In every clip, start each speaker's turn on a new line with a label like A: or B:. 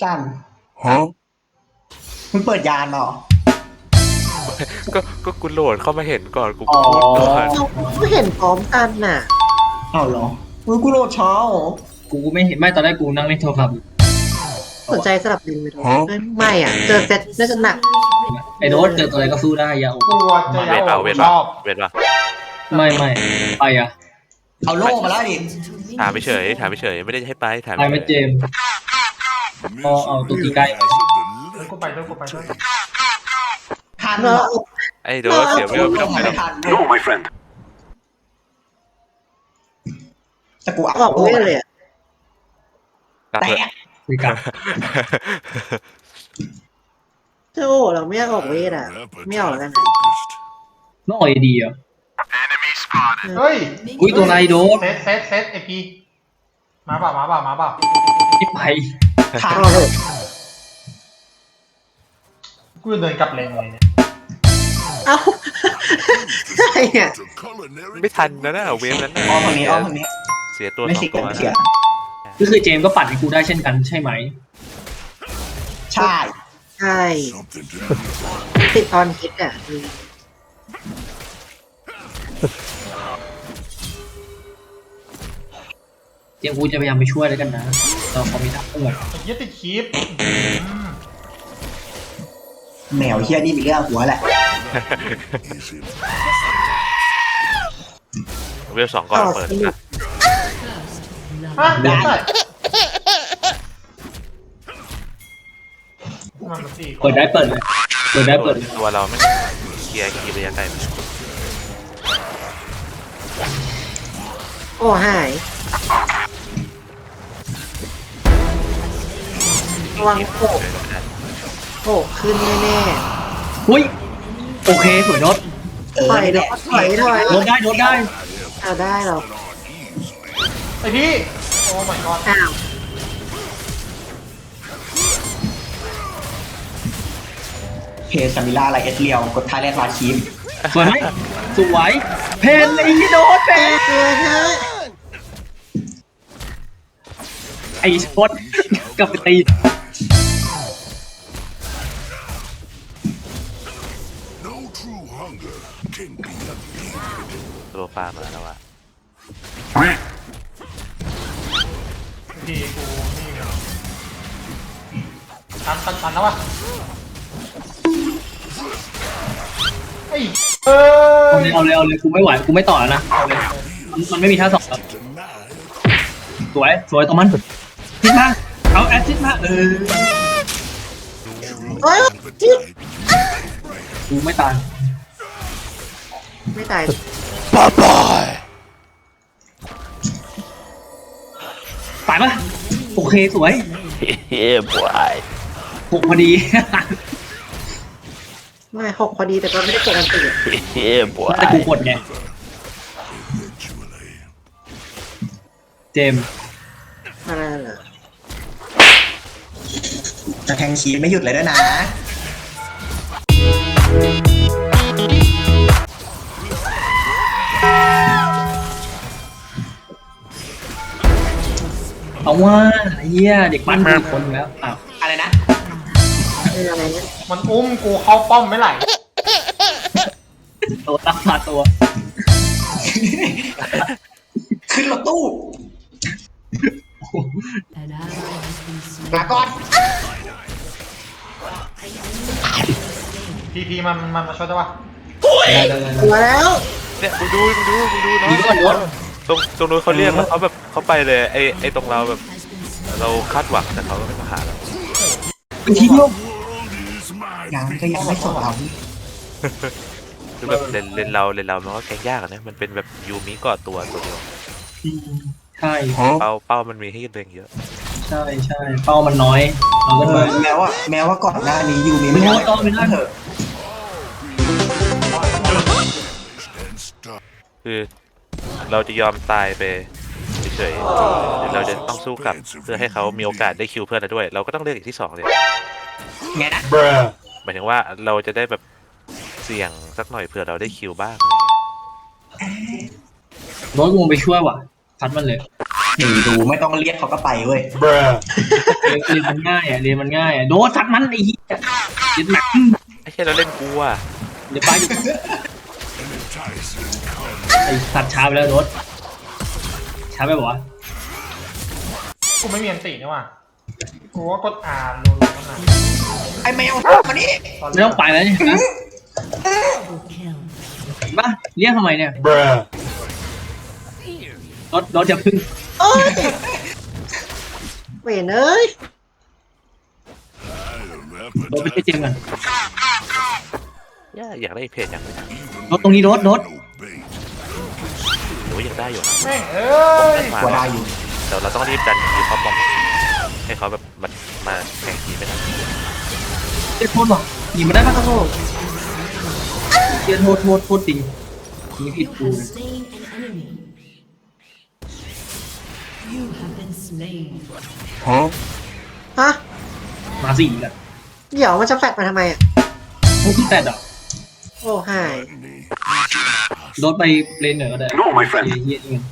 A: สั้นมึงเปิดยานเหรอ
B: ก็กูโหลดเข้ามาเห็นก่อนกู
A: อ๋อ
B: พูดก่อน
C: เราก็เห็นพร้อมกันน่ะ
A: เอาเหรอมึงกูโหลดช้าเหรอ
D: กูไม่เห็นไม่ตอนแรกกูนั่งเล่นโทรศัพท์อยู่
C: สนใจสลับดินไหมไม่อ่ะ เจอเซตน่าจะหนัก
D: ไอ้โน้ตเจอตัวอะไรก็สู้ได้อยาอก
E: ลัวจะ
B: เวท
E: ยา
B: เปล่า
E: ว
B: เวท
E: ช
B: เปล่า
E: อบ
B: เวทเปล่า
D: ไม่ไปอ่ะ
A: เอาโล่มาแล้วดิ
B: ถามไปเฉยไม่ได้ให้ไปถาม
D: ไปไม่เจมส์เอาตัวตีใกล้
E: แล้วกูไปด้วยกูไปด้วย
A: ทัน
C: เรา
A: เหรอ
B: ไอ้โดนเสียไม่ต้องไปหรอก
A: ทัน No my friend แต่กู
C: ออกเวทเลยอ่ะ
B: กลับ
A: แต่
B: เถอะ
D: คุยกัน
C: เจ้าโอ้เราไม่อยากออกเวทอ่ะ ไม่ออกแล้วกันนะ
D: น้องอ่อยดีอ่ะ
E: เฮ้ย
D: อุ้ยตัวอะไรโดน
E: เซตไอพีมาเปล่ามาเปล่ามาเปล่า
D: ที่ไป
A: ทัน
C: ออกเถอะ
E: กูจะเดินกลับเลนเลยเนี่ย
C: เอ้าใช่อ่ะ
B: ไม่ทันนะเวฟนั้นน่ะ
A: อ้อมทางนี้อ้อมทางนี้
B: เสียตัว
A: ไม่
B: สอ
A: สิ
B: งตัว
A: เสีย
B: นะ
D: ก็คือเจมส์ก็ปัดให้กูได้เช่นกันใช่ไหม
A: ใช่
C: ใช่ติดตอนคิดอ่ะ
D: เจมส์กูจะพยายามไปช่วยแล้วกันนะเราพอมีทักเอื้อ
E: ไอ้เหี้ยติดคลิป
A: แมวเฮียนี่มีเรื่องหัวแหละ
B: เวฟสองก่อนเปิดนะ
E: ฮะได้มันมาสี่คน
D: เปิดได้เปิดเลยเปิดได้เปิดเลย
B: ตัวเราไม่เคลียร์ระยะไกลไหม
C: โอ้หายระวังโอ้ขึ้นแน่
D: อุ้ยโอเคสวยโน้ต
C: ๆถอย
A: นี่แห
C: แล้
A: ละ
C: วถอย
D: โน้ตได้โน้ตได้
C: เอาได้หรอ
E: ไอพี่โอ้ my god
C: อ้าว
A: เพจซามิล่าไรเอสเรียวกดท้ายแรกลาคีม
D: สวยไหมสวยเพนไอ้โน้ตเพน
C: เกินฮะ
D: ไอ้ชดกลับไปตี
B: ตัวปลามาแล้วอ่ะ
E: พี่กูนี่เนี่ยตันแล้ววะไอ้เอ้ย
D: เอาเลยกูไม่ไหวกูไม่ต่อแล้วนะเอาเลยมันไม่มีท่าสองแล้วสวยตรงมันทิศมาเอาแอดทิศมา
C: เฮ้ย
D: กูไม่ตาย
C: ไม่ตาย
D: ตายปะโอเคสวย
B: เฮ้ยบวย
D: หกพอดี
C: ไม่หกพอดีแต่ก็ไม่ได้กดอันตื่น
B: เฮ้ยบวย
D: แต่กูกดไงเจมส์
C: อะไรเหรอ
A: จะแทงคีมไม่หยุดเลยด้วยนะ
D: เอาว่าเฮียเด็กปั้นมีคนอยู่แล้วอ้าว
A: อะไรนะ
C: เป็นอะไรเนี่ย
E: มันอุ้มกูเข้าป้อมไม่ไหล
D: ตัวรักษาตัว
A: ขึ้นรถตู้ลาก่อน
E: พีมันมาช่วยได้ปะ
C: หัวแล้ว
B: เนี่ยมึงดูเนาะ
D: ดีก่อนโน้ต
B: ตรงนู้นเขาเรียกแล้วเขาแบบเขาไปเลยไอ้ตรงเราแบบ เราคาดหวังแต่เขาก็ไม่มาหาเรา
D: เป็นทีเดียว
A: ยังก็ยังไม่สนเรา
B: คือแบบเลนเรามันก็แกงยากอะนะมันเป็นแบบยูมิก่อตัวเดียว
D: ใช่
B: เป้ามันมีให้ตัวเองเยอะ
D: ใช่เป้ามันน้อยเราก็เลย
A: แม้ว่าก่อนหน้านี้ยูมี
D: ไม่
A: ไม่
D: รู้
A: ได้
D: ว่าต้องไม่ได้
A: เถอะ
B: คือเราจะยอมตายไปเฉยๆหรือเราจะต้องสู้กลับเพื่อให้เขามีโอกาสได้คิวเพื่อนเราด้วย เราก็ต้องเลือกอีกที่สองเลย
A: ไงนะ
B: หมายถึงว่าเราจะได้แบบเสี่ยงสักหน่อยเผื่อเราได้คิวบ้าง
D: โน้ตกูไปช่วยว่ะพัดมันเลย
A: หนีดูไม่ต้องเรียกเขาก็ไปเว้ย
D: เรียนมันง่ายอ่ะเรียนมันง่ายอ่ะโดนสัตว์มันไอ้เหี้ยเรียนหนัก
B: ไอ้เหี้ยเราเล่นกูอ่ะ
D: เดี๋ยวไปไอ้สัตว์ช้าไปแล้วโดนช้าไปบอกว่า
E: กูไม่มีอันตินี่ว่ะกูว่ากดอ่านรัวๆนั่นน่ะ
A: ไอ้แมวมานี่
D: ไม่ต้องไปแล้วเนี่ยนะเห็นปะเรียกทำไมเนี่ยรถจะพึ่ง
C: เอ้ยเวนเอ้ย
D: รถไปเจมกัน
B: อยากได้เพจอย่างนี้
D: รถตรงนี้รถ
B: โอ้ยยังได้อยู่นะ
E: แม่งเอ้ย
A: กลัวได้อยู่
B: แต่เราต้องรีบดันทีเขาบอมให้เขาแบบมาแข่งทีไม่ได้
D: เจ๊โทษว่ะหยิบมาได้ปะ
C: โอ้โห
D: เจ๊โทษจริงนี่ผิดกู
F: Slain an enemy. You have been slain.
C: ฮะ
D: มาสี่กัน
C: เดี๋ยวมันจะแฟดมาทำไมอ่ะ
D: พวกที่แต่อ่ะ
C: โอ้หาย
D: รถไปเลนเหนือก็ได้เฮียนี่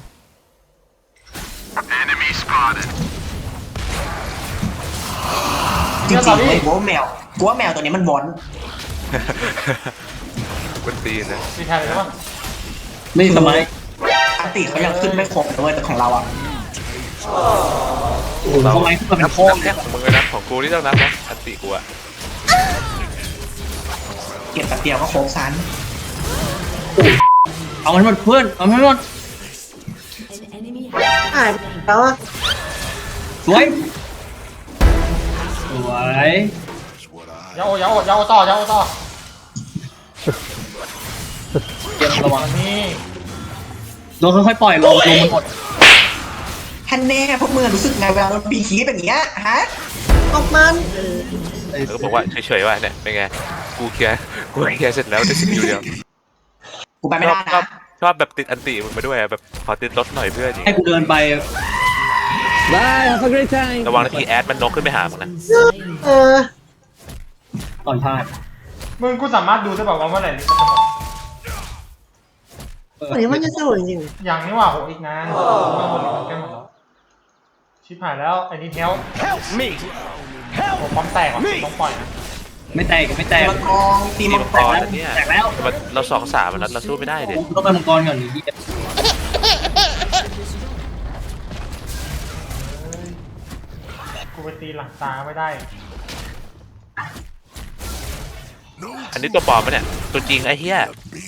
A: จริงๆเลยกูว่าแมวตัวนี้มันวอน
B: เป็นตีนนะ
E: มีแทนเลยปะ
D: ไม่สมัย
A: อันติเขายังขึ้นไม่ครบเลยแต่ของเราอ่ะ
D: โอ้โหสมัยขึ้นมาเป็น
B: นับ
D: พ่อ
B: แค่ของมึงเลยนะของกูนี่ต้องนับนะอันติกูอะ
A: เก็บแป๊บเดียวก็ครบซัน
D: เอามันหมดเพื่อนเอามันหมด
F: An enemy
C: หาย
F: has
C: ไป
F: slain.
C: แล้วอ่ะ
D: สวย
E: ยาโอต่อยาโอต่อ
D: เตรียมระวัง
E: นี่
D: โดนค่อยๆปล่อยลงมันหมด
A: ท่านแน่พวกมึงรู้สึกไงเวลาเราปีคีแบบเนี้ยฮะ
C: ออกมัน
B: แล้วก็บอกว่าเฉยๆว่าเนี่ยเป็นไงกูเคลียร์เสร็จแล้วได้สกิลเดียว
A: กูไปไม่ได้
B: ชอบ
A: นะ
B: ชอบแบบติดอันติมึงมาด้วยอะแบบขอติดรถหน่อยเพื่อนอย่าง
D: ให้
B: เงี้ย
D: กูเดินไป
B: ระวังนาทีแอดมันนกขึ้นไปหามึงนะ
F: Slain.
C: เออ
D: ต่อยพลาด
E: มึงกูสามารถดูได้แบบว่าเมื่อไหร่ลิฟต์จะหมด
C: อันนี้มันจะสนุกจริง
E: อย่างนี้ว่าโหอีกนานมันหมดลิฟต์แก้หมดแล้วชิบหายแล้วไอ้นี่เทลโอ้ปั๊มแตกว่ะต้องปล่อยนะ
D: ไม่แตก
A: ตีมังกรตี
B: ตี
A: มั
B: มั
A: ง
B: ง
A: ก
B: ก
A: ร
B: รอันเนี้ย
D: แตกแล้ว
B: แต่เรา2-3มันเราสู้ไม่ได้เด็
D: ต้องไปมังกรก่อนนี่
E: กูไปตีหลังตาไม่ได้
B: อันนี้ตัวปลอมปะเนี่ยตัวจริงไอ้เหี้ย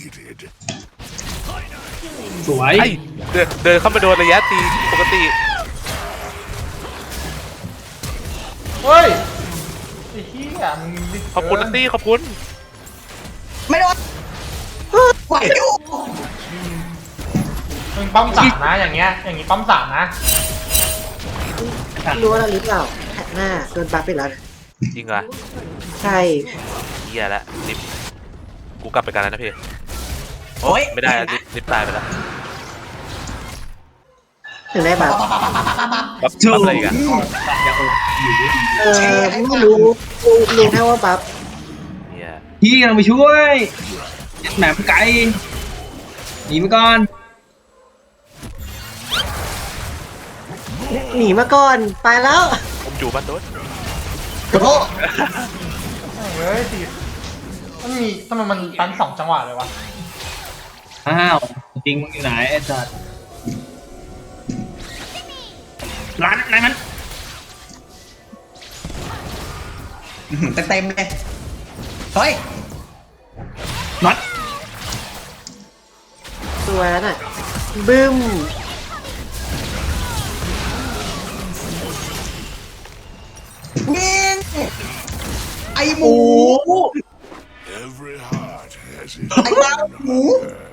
D: สวย
B: ไอ้เดินเข้ามาโดนระยะตีปกติ
E: เฮ้ยไอ้เหี้ยมึงดิ
B: ขอบคุณนัตตี้ขอบคุณ
A: ไม่โดนไหวอยู่
E: มึงปั๊มสามนะอย่างเงี้ยอย่างงี้ปั๊มสามนะ
C: ๆรู้ว่าเราลิฟต์เปล่าแท็กหน้าโดนบัฟไปแล้วนะ
B: จริงเหรอ
C: ใช่
B: เหี้ยละลิฟต์กูกลับไปกันแล้วนะพี่
A: โอ้ย
B: ไม่ได้ลิฟต์ตายไปแล้ว
C: ถึงได้บัฟ
B: ปั๊บอะไรอีกัน
C: เออไม่รู้แค่ว่าบัฟ
B: เนี่ย
D: พี่กำลังไปช่วยแหมไกลหนีไปก่อน
C: หนีมาก่อนไปแล้ว
B: ผมอยู่บ้านโดน
A: ขอโทษ
E: เฮ้ยตีมันมีทำไมมันตันสองจังหวะเลยวะ
D: อ้าวจริงมึงอยู่ไหนไอ้สัตว์ร้านไหนมัน
A: เต็มเลยเฮ้ย
D: น็อต
C: ตัวนั้นอ่ะบึ้ม
A: ยิงไอหมู
G: Every heart has its
A: ไอบ้าหมู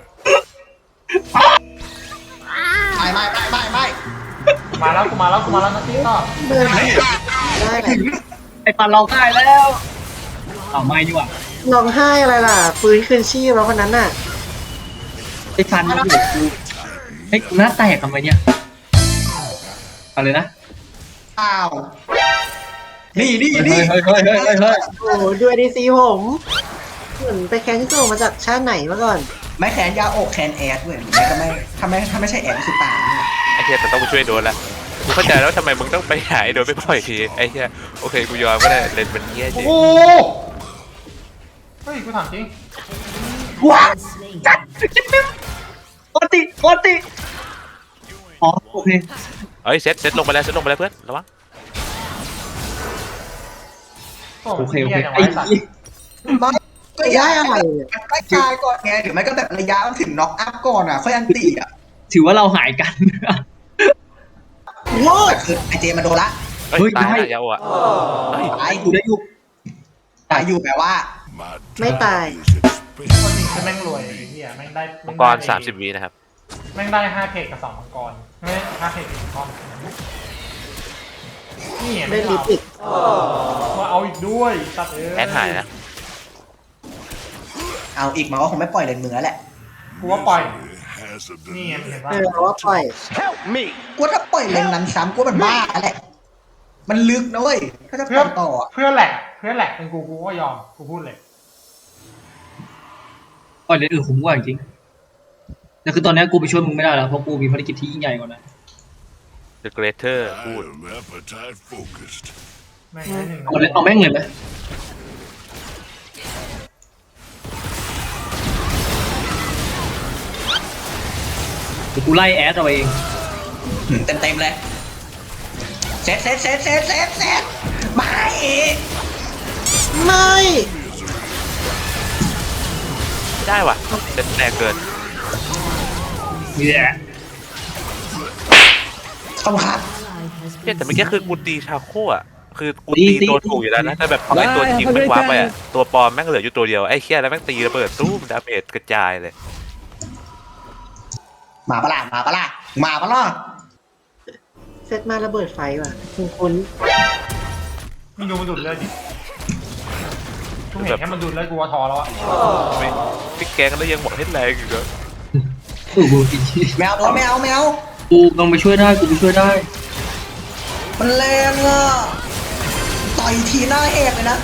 A: ไม่
E: มาแล้วกูมาแล้วนัตตี้ต่อ
C: เดินได้แหละ
D: ไอ้ปันเราได้แล้วเอาไม่ดีกว่า
C: ร้องไห้อะไรล่ะฟื้นคืนชีพแล้วคนนั้นน่ะ
D: ไอ้ฟันมันอยู่กูเฮ้ยกูหน้าแตกทำไมเนี่ยเอาเลยนะ
A: อ้าวนี่
D: เฮ้ย
C: โอ้โหด้วยดีซีผมเหมือนไปแคนที่ส่งมาจากชาติไหนมาก่อน
A: ไม่แขนยาอกแขนแอดเว้ยไม่ก็ไม่ถ้าไม่ใช่แอดคือตายเนี่ย
B: ไอ้เหี้ยแต่ต้องไปช่วยโดนละ
A: โ
B: กูเข้าใจแล้วทำไมมึงต้องไปหาไอ้โดนไปปล่อยทีไอ้เหี้ยโอเคกูยอมก็ได้เลนมันเหี้ยจริง
E: โอ้เฮ้ยกูถามจริง
C: ว้า
F: Slain.
D: โอติอ๋อโอเค
B: เอ้ยเซ็ตลงไปแล้วเซ็ตลงไปแล้วเพื่อนระวัง
D: โอเค
E: หี้ยจังวะ
D: ไอ้
E: สัตว์
A: มันก็
C: ได้อะไรเนี่ย
A: มันใกล้ตายก่อนไงหรือไม่ก็แบบระยะมันถึงน็อกอัพก่อนอ่ะค่อยอันตีอ่ะ
D: ถือว่าเราหายกัน
C: ว้า
A: แต่คือไอเจมาโดนละ
B: เฮ้ย
D: เฮ้ย
B: ตาย
D: ได้
B: แล้วยาวอ่ะเฮ้ย
A: ตาย
D: กูได้อยู่
A: ตายอยู่แปลว่า
G: My
C: Mấy
G: time
C: tài.
G: is expensive.
E: คนจริงคือแม่งรวยไอ้เหี้ยแม่งได้
B: มังกร30 วินะครับ
E: แม่งได้5เพกกับ2มังกรไม่5เพกกับ1ก้อนนี่
C: ได้
E: ไม่
C: ลิ
E: เอา
C: ปอีก
E: มาเอาอีกด้วยสัตว์เอ้ย
B: แอดหายนะ
A: เอาอีกมันก็คงไม่ปล่อยเลนมือแล้วแหละ
E: กูว่าปล่อย
G: Has a
E: นี่ไงมึงเห็น
C: เอ
E: ป่ะ
C: อว่าปล่อย
A: กูว่าถ้าปล่อยเลนนั้นซ้ำกูว่ามันบ้าแหละมันลึกนะเว้ยถ้าจะป
E: เพื่
A: ล่
E: อ
A: อยต่ออะ
E: เพื่อแหลกเป็นกูก็ยอมกูพูดเลย
D: ปล่อยเลยคุ้มกว่าจริงแต่คือตอนนี้กูไปช่วยมึงไม่ได้แล้วเพราะกูมีภารกิจที่ยิ่งใหญ่กว่านั้น
B: The Greater
G: I
B: พูด
G: am appetite focused.
E: แม่งได้หนึ่ง
D: เอาแม่งเลยไหมเดี๋ยวกูไล่แอดเอาเอง
A: เต็มเลยเซตไม่
C: ไม่
B: ไม่ได้ว่ะเซ็ตแรงเกิน
D: เนี่ย
A: ขอบคุณครับ
F: Ally has
B: เนี่ย
F: been
B: แต่เมื่อกี้คือกูตีชาโคอ่ะคือกู
D: ตี
B: ตีตัวถูกอยู่แล้วนะแต่แบบพอไอ้ตัวจริงมันวาร์ปไปอ่ะตัวปลอมแม่งเหลืออยู่ตัวเดียวไอ้เหี้ยแล้วแม่งตีระเบิดตู้มดาเมจกระจายเลย
A: มาปะล่ะมาปะล่ะมาปะล่ะ
C: เซตมาระเบิดไฟว่ะคุณ
E: มึงดูมันดูดเลือดดิกูเห็นแค่มันดูดเลือดกูว่าทอแล้วอะ
B: ไม่พี่แกงแล้วยังบอกให้แรงอยู่เลย
D: กูจริง
A: แมวโดนแมว
D: กูลองไปช่วยได้กูไปช่วยได้
A: มันแรงอ่ะต่อยทีหน้าแหกเลยนะ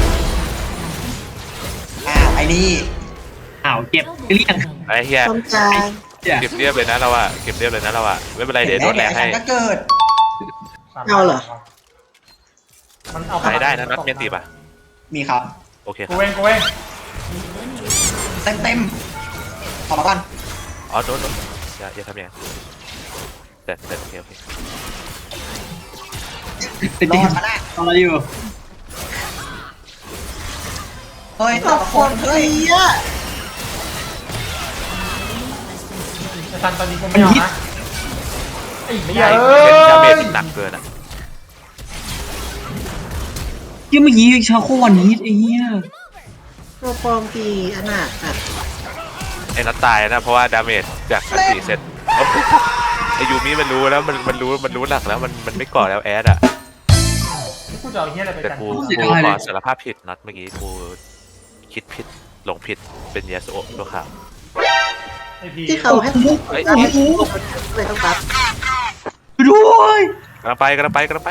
A: อ้าวไอ้นี่
D: อ้าวเก็บเรียง
B: ไอ้เหี้ย
C: ต้องการ
D: เนี่ย
B: เก็บเรียบเลยนะเราอะเก็บเรียบเลยนะเราอะไม่เป็นไรเดี๋ยวโดนแรงให้
A: ก็เกิด
C: เอาเหรอ
E: มันเอา
B: ใช้ได้นะนัดเมียนตีป่ะ
A: มีครับ
B: โอเคค
E: กู
B: รับ
E: เอง
A: เต็มขอมาก่อน
B: อ๋อโดนอย่าทำอย่างนั้นแต่โอเค
D: ติด
A: ร
D: ติ
A: อ
D: ด
A: ดมาได้
D: ทำอะไรอยู่
A: เฮ้ย
C: ต
A: ต่อก
C: ค
A: คน
C: น
A: เฮ้ย
C: เฮีย
E: ไอ้ซันตอนนี้กูไม่เอานะไอ้
B: ไม่
E: เหี้ย
B: ใช่
E: เอ้
B: เป็นดาเมจ
E: ย
B: หนักเกินอะ
D: ยังเมื่อกี้ชาโควันนี้ไอ้เหี้ย
C: ตัวปลอมตีอนาถอ่ะ
B: ไอ้นัดตายนะเพราะว่าดาเมจจากอันตีเซ็ตไอ้ยูมิมันรู้แล้วมันรู้หลักแล้วมันไม่ก่อแล้วแอดอะ
E: กูจะเอาเหี้ยอะไรไป
B: แต่
E: กัน
B: กูขอสารภาพผิดนัดเมื่อกี้กูคิดผิดหลงผิดเป็นยาสโอะตัวขาว
E: ไอ้พี
C: ที่เขาให้
B: เฮ้ย
C: ให้เลยต้องปั๊บ
D: ด้วย
B: กำลังไป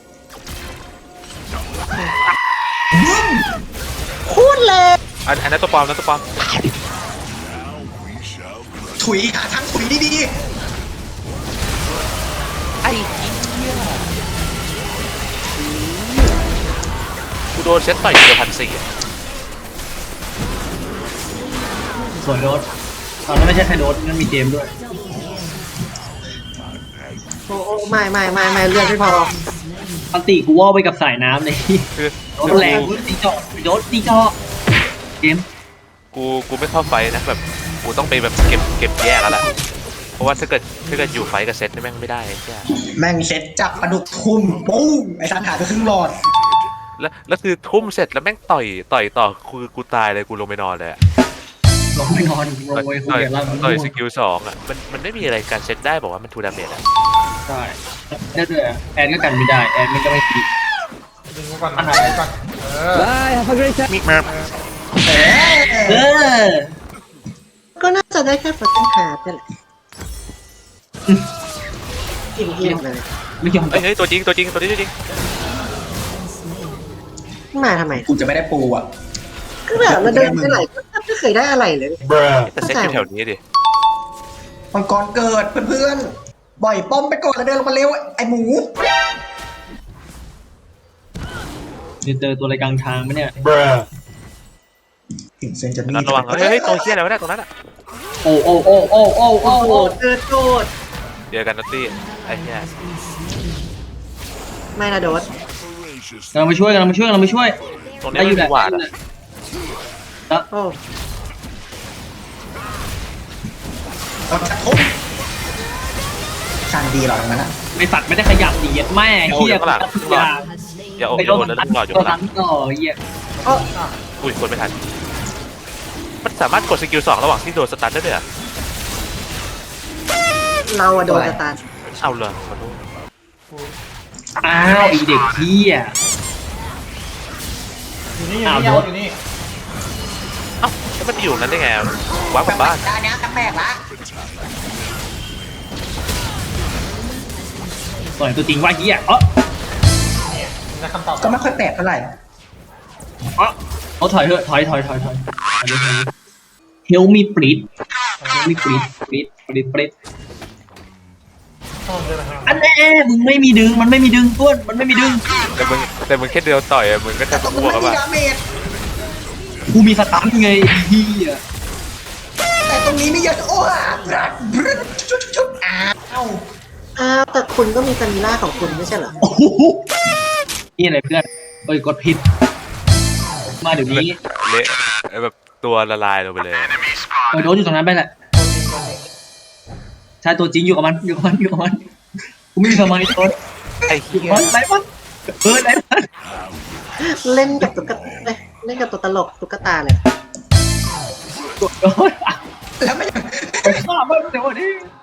C: พูดเลย
B: อันนั้นตัวปลอม
G: Now we shall crush.
A: ถุยหาทางถุยดี
B: ไอ้เหี้ยกูโดนเซ็ตต่อยเดียว1,400อะ
D: สวยโดสตอนนั้นไม่ใช่แค่โดสนั่นมีเกมด้วย
C: โอ้ไม่เลือดไม่พอ
D: อันติกูว่าไปกับสายน้ำเลย
B: คือ
D: โดสแรงตีเจาะโดสตีเจาะเกม
B: กูไม่เข้าไฟนะแบบกูต้องไปแบบเก็บแยกแล้วแหละเพราะว่าถ้าเกิดอยู่ไฟกับเซตนี่แม่งไม่ได้ไอ้เหี้ย
A: ๆแม่งเซ็ตจับปลาดุกทุ่มปุ้งไอ้สันหายไปครึ่งหลอด
B: แล้วคือทุ่มเสร็จแล้วแม่งต่อยต่อคือกูตายเลยกูลงไปนอนเลยอะ
D: ลงไปนอนลงไปคุยกับเรา
B: ต่อยสกิล2อะมันไม่มีอะไรการเซตได้บอกว่ามันทูดาเมจอะ
D: ใช่ได้ด้วยแอนก็กันไม่ได้แอนมันก็ไม่คิด
E: ดึงกูก่อนดึงกูก่อน
B: มิกมา
D: เออ
C: ก็น่าจะได้แค่ฟัตเติ้ลฮาร์ดนี่แหละอิ่มเลย
D: ไม่ยอม
B: เฮ้ยตัวจริงตัวนี้ตัวจริง
C: มาทำไม
A: กูจะไม่ได้ปูอ่ะ
C: ก็แบบเราเดินไปไหนก็ไม่เคยได้อะไรเลย
B: แต่เซตอยู่แถวนี้ดิ
A: มังกรเกิดเพื่อนบ่อยป้อมไปก่อนแล้วเดินลงมาเร็วไอ้หมู
D: จะเจอตัวอะไรกลางทางไหมเนี่ย
A: ถึงเซนจะมี
B: ระวังเฮ้ยตัวเชี่ยอะไรวะเนี่ยตรงนั้นอ่ะ
D: โอ้โอ้โอ้โอ้โอ้โอ้
C: โอ้โห
D: โอ้
C: เจอโจด
B: เจอกันนัตตี้ไอ้เหี้ย
C: ไม่นะโดด
G: Voracious
D: กำลังมาช่วยกำลังมาช่วยกำลังมาช่วย
B: ตรงนี้
D: ได้อ
B: มัน
D: ยู่แห
B: มี
D: ละ
B: หวาดอ่ะ
C: โอ้
A: เราจะทุบช่างดีหรอตรงนั้นอ่ะ
D: ไอสัตว์ไม่ได้ขยับดีแม่เฮีย
F: has slain
B: อย่าอก
D: ไป
B: อย่า
D: โด
B: โด
D: น
B: นแล้ว
D: ตั
B: ลู
D: ด
B: กหลอดอยู่
D: ตัว
B: ข้างหลั
D: นั้
B: ง
D: นต่อเฮีย
B: อุ้ยกดไม่ทันมันสามารถกดสกิล2ระหว่างที่โดนสตันได้ด้วยเหรอ
C: เราอะโดนสตาร์
B: เอาเลยมาดู
D: อ้าวไอเด็กเฮีย
E: อยู่นี่
D: อ้าว
E: อยู่
D: โดด
E: นี่
B: เอ้าแล้วมันอยู่นั้นได้ไงว้าวกลับบ้าน
A: อันนี้แปลกละ
D: ต่อยตัวจริงว่าเฮียเออ
E: ได้คำตอบ
A: ก็ไม่ค่อยแปลกเท่าไหร่
D: เอาถอยเถอะถอยเฮลมีปริดเฮลมีปริดปริด
E: ชอบเลยนะครับ
D: อันแน่มึงไม่มีดึงมันไม่มีดึงต้วนมันไม่มีดึง
B: แต่มึงแค่เดียวต่อยอะมึงก็
A: แต่
B: จะ
A: ตรง
B: บว
A: นี้
B: ก
A: ไม่
B: กับว่า
A: มีดาเมจ
D: กูมีสตันไงไอ้เฮีย
A: แต่ตรงนี้ไม่เยอะโอ้อ่ะชุดอ้าว
C: อ้าวแต่คุณก็มีสมิล่าของคุณไม่ใช่เหรอ
D: โอ้โหนี่อะไรเพื่อนเอ้ยกดผิดมาเดี๋ยวนี้
B: เละแบบตัวละลายลงไปเลย
D: โดนอยู่ตรงนั้นไปแหละใช่ตัวจริงอยู่กับมันกูไม่มีสมาธิโดน
B: ไอ้
D: อยู่
B: เหี้
D: กับ
B: ย
D: มันไรมันไรมัน
C: เล่นกับตุ๊กตาเล่นกับตัวตลกตุ๊กตาเลย
D: กดโดน
A: แล้วไม่
D: ฆ่ามันเดี๋ยวนี้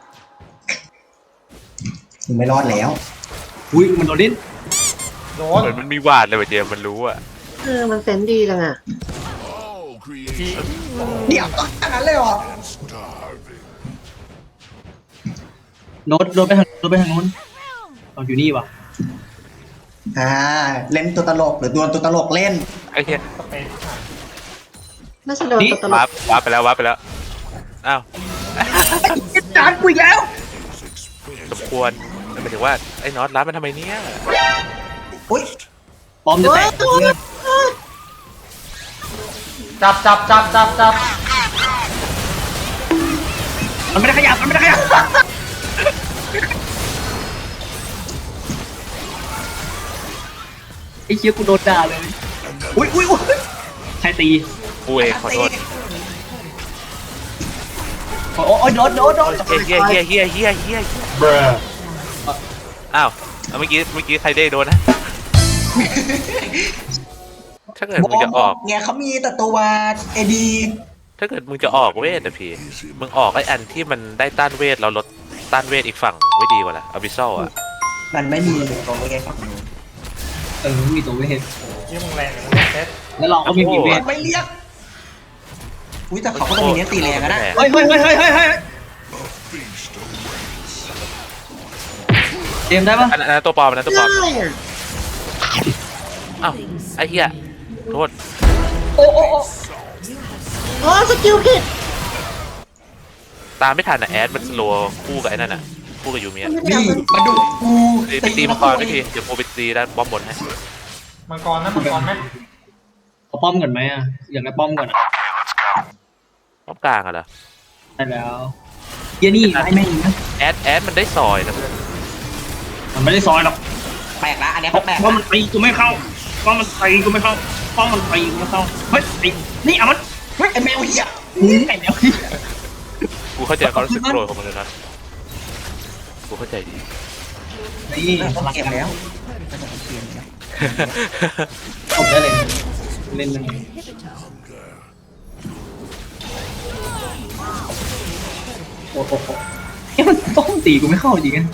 A: มึงไม่รอดแล้ว
D: อุ้ยมันโดนลิ้น
E: โด
B: เห
E: น
B: มือนมันมีหวาดเลยว่ะเจมส์มันรู้อ่ะ
C: มันเซนดีจังอะ
G: all creation
A: เดี๋ยวต้องขนาดนั้นเลยเหรอ
G: starving.
D: โดนไปทางนู้นเอาอยู่นี่วะ
A: เล่นตัวตลกหรือโดนตัวตลกเล่น
B: ไอ้เหี้ย
E: สเปซ
C: น่าจะโดนตัวตล
B: วาก ร์ปไปแล้วอ้าว
D: จานกูอีกแล้ว
B: สมควรหมายถึงว่าไอ้น็อตร้านมันทำไมเนี่ย
A: อุ้ย
D: ปอมจะแตกเพื่อน
E: จับ
D: มันไม่ได้ขยับไอ้เชี่ยกูโดนด่าเลยอุ้ยใครตี
B: กูเองขอโทษ
D: โอ้ยโดน
B: เฮียอ้าวเมื่อกี้ใครได้โดนนะ ถ้าเกิดมึงจะออก
A: เนี่ยเขามีแต่ตัวเอดี
B: ถ้าเกิดมึงจะออกเวทอะพี่ มึงออกไอ้อันที่มันได้ต้านเวทเราลดต้านเวทอีกฝั่งไม่ดีกว่าล่ะอบิซอลอะ
A: มันไม่มีตัวเองฝั่งนู้น
D: มีตัวเวท
E: ยี่มึงแรงมึงแรงเซ็ต
D: แล้วเราก็ไม่มีเวท
A: มันไม่เรียกอุ้ยแต่เขาก็ต้องมีเนี้ยตีแรงอะนะ
D: เฮ้ยเตรียมได้ปะ
B: อันนั้นตัวปลอมอันนั้นตัวปลอม
C: ได้อะ
B: อ้าวไอ้เหี้ยโทษ
C: โอ้สกิลผิด
B: ตามไม่ทันอะแอดมันสโลว์คู่กับไอ้นั่นอะคู่กับยูเมีย
A: นี่มาดูกู
B: ไปตีมังกรไม่ทีเดี๋ยวโมไปตีด้านบอมบนให้
E: มังกรไหม
D: เอาป้อมก่อนไหมอ่ะอยากได้ป้อมก่อน
B: บอมกลางอะเหรอ
D: ได้แล้วเฮียนี่ไอ้แม่งนะ
B: แอดมันได้ซอยนะเพื่อน
D: มันไม่ได้ซอยหรอก
A: แปลกละอันเนี้ยแปลก
D: เพราะมันตีกูไม่เข้าเพราะมันตีกูไม่เข้าเพราะมันตีกูไม่เข้าเฮ้ยไอ้นี่เอามัน
A: ไอ้แมวเหี้ย
D: ไอ้แมว
B: กูเข้าใจความรู้สึกโกรธของมันเลยนะกูเข้าใจดี
D: นี่
A: ต้องเก็บแล้วก็จะเปลี่ยนแล้ว
D: ตบได้เลยเล่นมันโอ้โหมันต้องตีกูไม่เข้าจริงกัน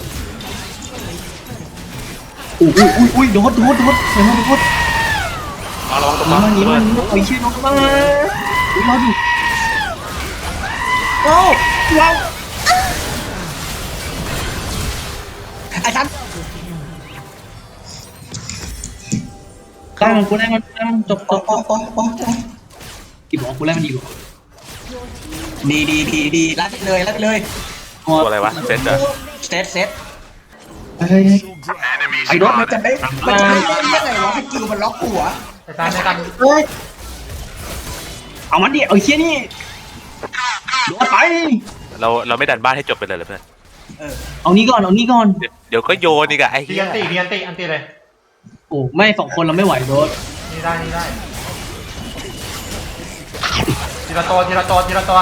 D: อุ้ยโดดเดี๋ยวมาโดด
B: เอาระวังตัวปลอ
D: นี่
B: ม
D: มันนี่มันโอ้ยชื่อน้องมาอุ้ยรอดูโอ้ว้าว
A: ไอ้ท่าน
D: กลางกูได้มันจบ
A: โอ้
D: กี่บอกกูได้มันดีกว่า
A: ดีรัดเลย
B: ตัวอะไรวะเซนเหรอ
A: เซต
D: เฮ้ยไอ้รถ
A: มันจะได้มันจะได้เล่นยังไงวะสกิลมันล็อกหัว
E: ไอ้ตาไอ้ตา
C: เฮ้ย
D: เอามันดิเอาเชี่ยนี่โดนไป
B: เราไม่ดันบ้านให้จบไปเลยเหรอเพื่อน
D: เอานี้ก่อนเอานี้ก่อน
B: เดี๋ยวก็โยนอีกอะไอ้
E: ดี
B: เหี้ย
E: อันตีเลย
D: โอ้ไม่2 คนเราไม่ไหวโดน
E: นี่ได้ทีละตัว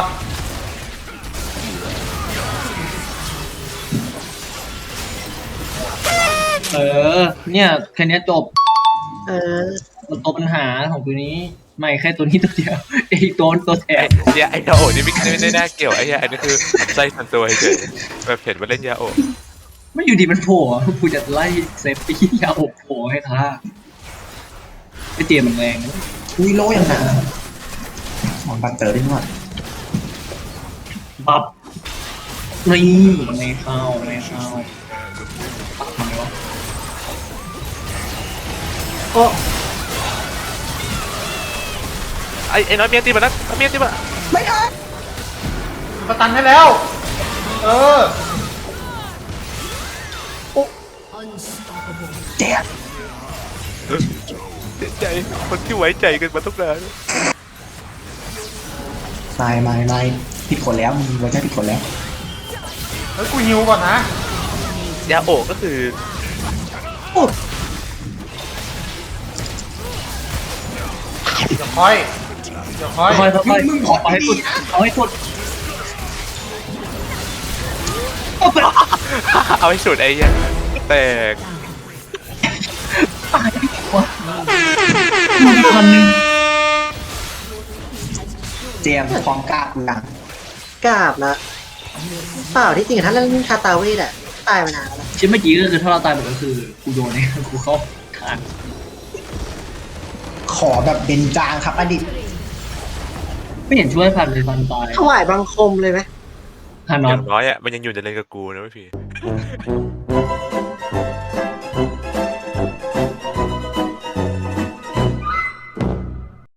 D: เนี่ยแค่เนี้ยจบ
C: เออ
D: ตัวปัญหาของตัวนี้ไม่แค่ตัวนี้ตัวเดียวไอ้ตัวแถ
B: ไอ้
D: ม
B: เหี้ยไอ้ยาโอะนี่ไม่ได้น่าเกี่ยวไอ้เหี้ยอันนี้คือไส้ทันตัวเฉยแบบเห็นว่าเล่นยาโอะ
D: ไม่อยู่ดีมันโผล่อะกูจะไล่เซฟตี้ยาอบโผล่ให้ท่าไอ้เจมันแรงนะ
A: อุ้ยโลอย่างหนาหมอนบัตเตอร์ได้หมด
D: บับนี่ไม่เข้าปักทำไมวะ
C: โอ้
B: ไอ้น้อยเมียตีมาแล้วเมียตีมา
A: ไม่ได้
E: สตันให้แล้ว เออ
F: Unstoppable.
A: เจ็บ
B: เสียใจคนที่ไว้ใจกันมาทุกนาน
A: ไม่ผิดคนแล้วมึงไว้ใจผิดคนแล้ว
E: เฮ้ยกูฮิวก่อนนะ
B: ยาโอะก็คือ
E: เดี๋ยวค่อย
D: ค่อยเอาให้สุดเอาให้สุด
B: เอาให้สุดไอ้เหี้ยแตก
D: ตายดีกว่าคนนึง
A: เจมส์ความกล้ากูดัง
C: กราบละเปล่าที่จริงถ้าเล่นคาตาเวทอะตายมานานแล้ว
D: ชิ้นเมื่อกี้ก็คือถ้าเราตายหมดก็คือกูโดนเนี่ยกูเข้าทาง
A: ขอแบบเป็นจางครับอดีต
D: ไม่เห็นช่วยพันเลยพันตาย
C: ถวายบังคมเลยไหม
D: ฮาน
B: อ
D: อน
B: ย่างน้อยอ่ะมันยังอยู่ในเลนกับกูนะพี่